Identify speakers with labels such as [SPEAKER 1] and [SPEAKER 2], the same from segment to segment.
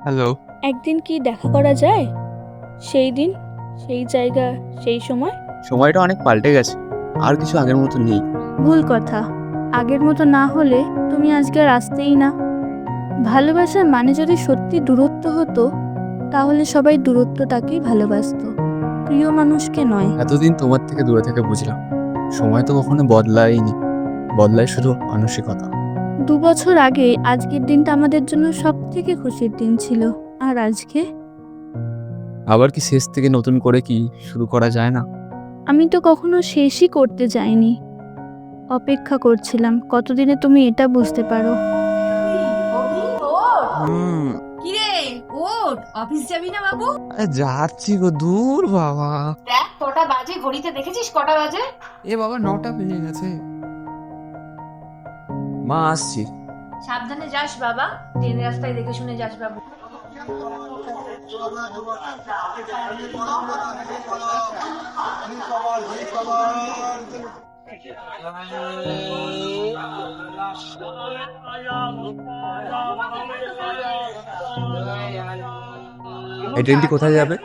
[SPEAKER 1] Hello.
[SPEAKER 2] একদিন কি দেখা করা যায়? সেই দিন, সেই জায়গা, সেই সময়?
[SPEAKER 1] সময়টা অনেক পাল্টে গেছে। আর কিছু আগের মতো নেই।
[SPEAKER 2] ভুল কথা। আগের মতো না হলে তুমি আজকে আর আসতেই না। ভালোবাসার মানে যদি সত্যি দূরত্ব হতো, তাহলে সবাই দূরত্বটাকেই ভালোবাসতো, প্রিয় মানুষকে নয়।
[SPEAKER 1] এতদিন তোমার থেকে দূরে থেকে বুঝলাম, সময় তো কখনো বদলায়নি, বদলায় শুধু মানসিকতা।
[SPEAKER 2] 2 বছর আগে আজকের দিনটা আমাদের জন্য সবথেকে খুশির দিন ছিল। আর আজকে?
[SPEAKER 1] আবার কি শেষ থেকে নতুন করে কি শুরু করা যায় না?
[SPEAKER 2] আমি তো কখনো শেষই করতে চাইনি। অপেক্ষা করছিলাম কতদিনে তুমি এটা বুঝতে পারো।
[SPEAKER 3] অভি, ওঠ।
[SPEAKER 1] হুম।
[SPEAKER 3] কিরে, ওঠ, অফিস যাবি না বাবু?
[SPEAKER 1] যাচ্ছি গো, দূর বাবা।
[SPEAKER 3] দেখ কটা বাজে, ঘড়িতে দেখেছিস কটা বাজে?
[SPEAKER 1] এ বাবা, 9টা বেজে গেছে। মা, আসছি।
[SPEAKER 3] সাবধানে যাস বাবা, ট্রেন রাস্তায় দেখে শুনে যাস বাবু।
[SPEAKER 1] এই ট্রেনটি কোথায় যাবে?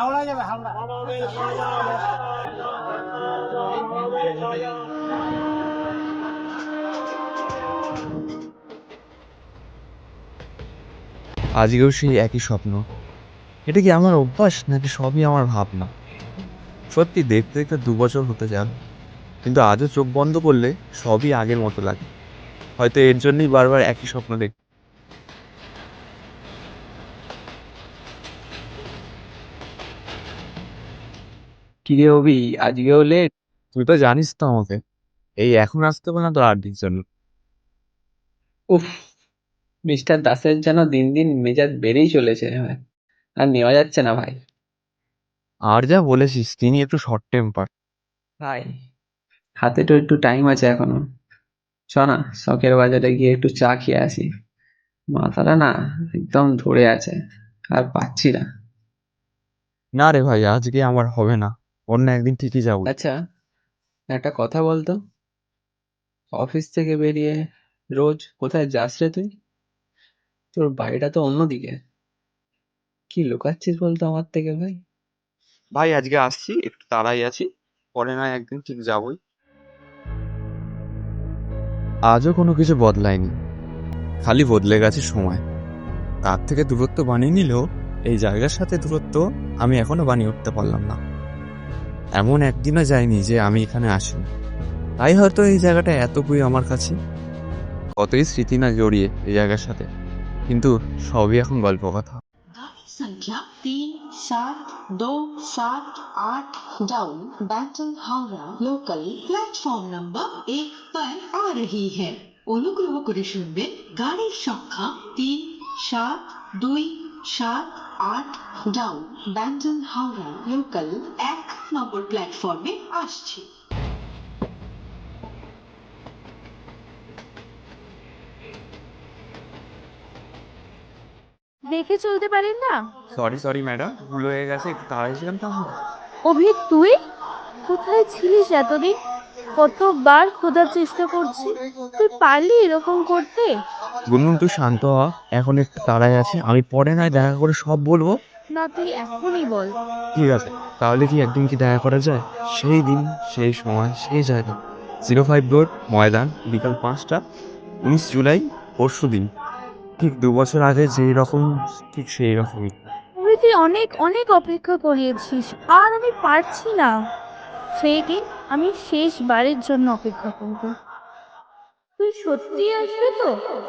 [SPEAKER 1] আজকেও সেই একই স্বপ্ন। এটা কি আমার অভ্যাস নাকি সবই আমার ভাবনা? সত্যি দেখতে দেখতে 2 বছর হতে যাক, কিন্তু আজও চোখ বন্ধ করলে সবই আগের মতো লাগে। হয়তো এর জন্যই বারবার একই স্বপ্ন দেখি। কি রে অভি, আজকেও লেট? তুই তো জানিস তো আমাকে, এই এখন আসতে হবে না তো 8 দিন জন্য।
[SPEAKER 4] উফ, মিস্টার দাসের যেন দিন দিন মেজাজ বেড়েই চলেছে ভাই। আর নেওয়া যাচ্ছে না ভাই।
[SPEAKER 1] আর যা বলেছিস, তিনি একটু শর্ট টেম্পার।
[SPEAKER 4] ভাই, হাতে তো একটু টাইম আছে এখনো। চ না, শখের বাজারে গিয়ে একটু চা খেয়ে আসি। মাথাটা না একদম ধরে আছে, আর পাচ্ছি না।
[SPEAKER 1] না রে ভাই, আজকে আমার হবে না, অন্য একদিন ঠিকই যাবো।
[SPEAKER 4] আচ্ছা, একটা কথা বলতো, অফিস থেকে বেরিয়ে রোজ কোথায় যাস রে তুই? তোর বাড়িটা তো অন্যদিকে। কি লুকাচ্ছিস বলতো আমার থেকে ভাই?
[SPEAKER 1] ভাই আজকে আসছি, একটু তাড়াই আছি, পরে না একদিন ঠিক যাবই। আজও কোনো কিছু বদলায়নি, খালি বদলে গেছে সময়। তার থেকে দূরত্ব বানিয়ে নিলেও এই জায়গার সাথে দূরত্ব আমি এখনো বানিয়ে উঠতে পারলাম না। এমন একদিনও যায়নি যে আমি এখানে আসিনি। তাই হয়তো এই জায়গাটা এত প্রিয় আমার কাছে। কতই স্মৃতি না জড়িয়ে এই জায়গার সাথে, কিন্তু সবই এখন গল্প কথা।
[SPEAKER 5] गाड़ी संख्या 3727 down Bandel Howrah local platform number 1 पर आ रही है। অনুগ্রহ করে শুনবেন গাড়ির সংখ্যা 3727 down Bandel Howrah local 1 number প্ল্যাটফর্মে আসছে।
[SPEAKER 2] দেখে চলতে পারেন না?
[SPEAKER 1] সরি সরি ম্যাডাম, ভুল হয়ে গেছে, একটু তাড়াই ছিলাম তো আমরা।
[SPEAKER 2] অভি, তুই কোথায় ছিলিস এতদিন? কতবার খোঁজার চেষ্টা করছি, তুই পারলি এরকম করতে?
[SPEAKER 1] গুনগুন তুই শান্ত হ, এখন একটু তাড়াই আছে, আমি পরে নয় দেখা করে সব বলবো।
[SPEAKER 2] না, তুই এখনই বল।
[SPEAKER 1] ঠিক আছে, তাহলে কি একদিন কি দেখা করা যায়? সেই দিন, সেই সময়, সেই জায়গা। 05 রোড, ময়দান, বিকাল 5টা, 19 জুলাই, পরশু দিন। ঠিক 2 বছর আগে যেই রকম, ঠিক সেই রকমই।
[SPEAKER 2] অভি, তুই অনেক অনেক অপেক্ষা করিয়েছিস, আর আমি পারছি না। সেই দিন আমি শেষবারের জন্য অপেক্ষা করবো। তুই সত্যি আসবে তো?